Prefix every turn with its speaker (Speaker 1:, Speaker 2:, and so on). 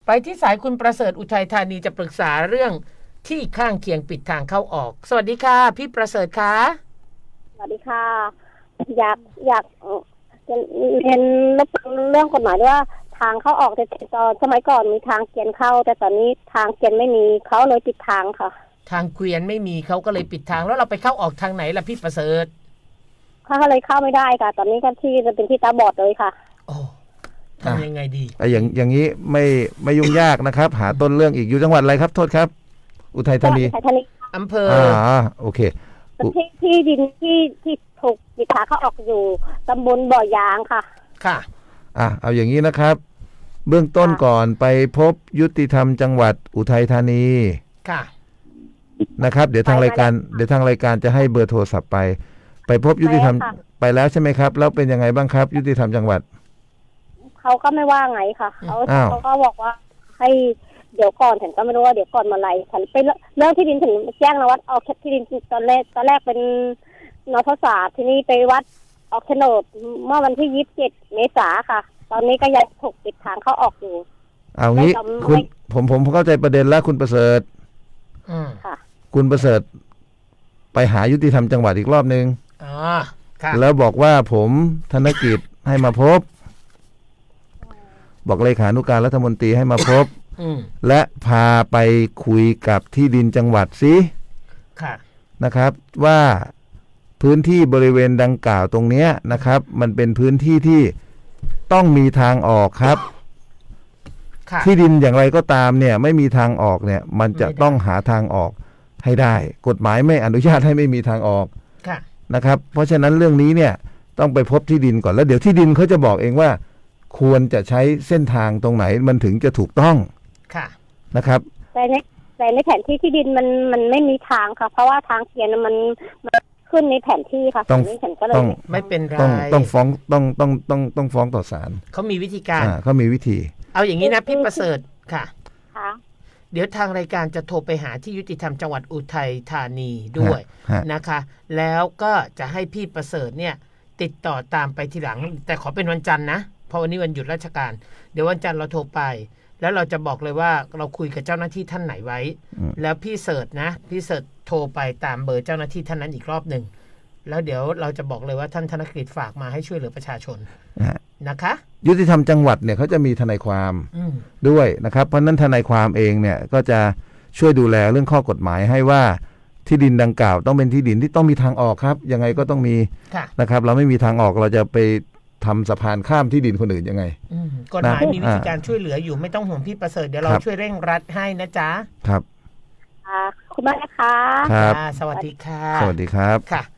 Speaker 1: ไปที่สายคุณประเสริฐอุทัยธานีจะปรึกษาเรื่องที่ข้างเคียงปิดทางเข้าออกสวัสดีค่ะพี่ประเสริฐคะ
Speaker 2: สวัสดีค่ะอยากจะเรียนเรื่องกฎหมายด้วยว่าทางเข้าออกแต่ตอนสมัยก่อนมีทางเกวียนเข้าแต่ตอนนี้ทางเกวียนไม่มีเขาเลยปิดทางค่ะ
Speaker 1: ทางเกวียนไม่มีเขาก็เลยปิดทางแล้วเราไปเข้าออกทางไหนล่ะพี่ประเสริฐ
Speaker 2: เขาก็เลยเข้าไม่ได้ค่ะตอนนี้ก็ที่จะเป็นที่ตาบอดเลยค่ะ
Speaker 1: โอ้ทำยังไงดี
Speaker 3: อย่างนี้ไม่ยุ่งยากนะครับ หาต้นเรื่องอีกอยู่จังหวัดอะไรครับโทษครับอุทัยธานี
Speaker 1: อำเภอ
Speaker 3: โอเค
Speaker 2: ที่ดินที่ถูกปิดทางเข้าออกอยู่ตำบลบ่อยางค่ะ
Speaker 1: ค่ะ
Speaker 3: เอาอย่างนี้นะครับเบื้องต้นก่อนไปพบยุติธรรมจังหวัดอุทัยธานี
Speaker 1: ค่ะ
Speaker 3: นะครับเดี๋ยวทางรายการจะให้เบอร์โทรศัพท์ไปพบยุติธรรมไปแล้วใช่ไหมครับแล้วเป็นยังไงบ้างครับยุติธรรมจังหวัด
Speaker 2: เขาก็ไม่ว่าไงค่ะเขาก็บอกว่าให้เดี๋ยวก่อนฉันก็ไม่รู้ว่าเดี๋ยวก่อนมาไรฉันไปเรื่องที่ดินถึงแจ้งนะวัดออกที่ดินตอนแรกเป็นนทศาสตร์ที่นี่ไปวัดออกโฉนดเมื่อวันที่27 เมษายนค่ะตอนนี้ก็ยังถูกปิดทางเข้าออกอยู่
Speaker 3: เอางี้คุณผมเข้าใจประเด็นแล้วคุณประเสริฐ
Speaker 2: ค่ะ
Speaker 3: คุณประเสริฐไปหายุติธรรมจังหวัดอีกรอบนึง
Speaker 1: ค่ะ
Speaker 3: แล้วบอกว่าผมธนกิจให้มาพบบอกเลขานุการรัฐมนตรีให้มาพบและพาไปคุยกับที่ดินจังหวัดสินะครับว่าพื้นที่บริเวณดังกล่าวตรงนี้นะครับมันเป็นพื้นที่ที่ต้องมีทางออกครับที่ดินอย่างไรก็ตามเนี่ยไม่มีทางออกเนี่ยมันจะต้องหาทางออกให้ได้กฎหมายไม่อนุญาตให้ไม่มีทางออกนะครับเพราะฉะนั้นเรื่องนี้เนี่ยต้องไปพบที่ดินก่อนแล้วเดี๋ยวที่ดินเขาจะบอกเองว่าควรจะใช้เส้นทางตรงไหนมันถึงจะถูกต้องนะครับ
Speaker 2: แต่ในแผนที่ที่ดินมันไม่มีทางค่ะเพราะว่าทางเขียนมันขึ้นในแผนที่ค่ะ
Speaker 3: ต้อง
Speaker 1: ไม่เป็นไร
Speaker 3: ต้องฟ้องต้องฟ้องต่อศาล
Speaker 1: เขามีวิธีการ
Speaker 3: เขามีวิธี
Speaker 1: เอาอย่างนี้นะพี่ประเสริฐค่ะเดี๋ยวทางรายการจะโทรไปหาที่ยุติธรรมจังหวัดอุทัยธานีด้วยนะคะแล้วก็จะให้พี่ประเสริฐเนี่ยติดต่อตามไปทีหลังแต่ขอเป็นวันจันทร์นะเพราะวันนี้วันหยุดราชการเดี๋ยววันจันทร์เราโทรไปแล้วเราจะบอกเลยว่าเราคุยกับเจ้าหน้าที่ท่านไหนไว้แล้วพี่เสิร์ชนะพี่เสิร์ชโทรไปตามเบอร์เจ้าหน้าที่ท่านนั้นอีกรอบหนึ่งแล้วเดี๋ยวเราจะบอกเลยว่าท่านธนกฤษฝากมาให้ช่วยเหลือประชาชนนะคะ
Speaker 3: ยุติธรรมจังหวัดเนี่ยเขาจะมีทนายความด้วยนะครับเพราะนั้นทนายความเองเนี่ยก็จะช่วยดูแลเรื่องข้อกฎหมายให้ว่าที่ดินดังกล่าวต้องเป็นที่ดินที่ต้องมีทางออกครับยังไงก็ต้องมีนะครับเราไม่มีทางออกเราจะไปทำสะพานข้ามที่ดินคนอื่นยังไง
Speaker 1: กฎหมายมีวิธีการช่วยเหลืออยู่ไม่ต้องห่วงพี่ประเสริฐเดี๋ยวเราช่วยเร่งรัดให้นะจ๊ะ
Speaker 3: ครับ
Speaker 2: คุณมากนะคะ
Speaker 3: ครับ
Speaker 1: สวัสดีค่ะ
Speaker 3: สวัสดีครับ
Speaker 1: ค่ะ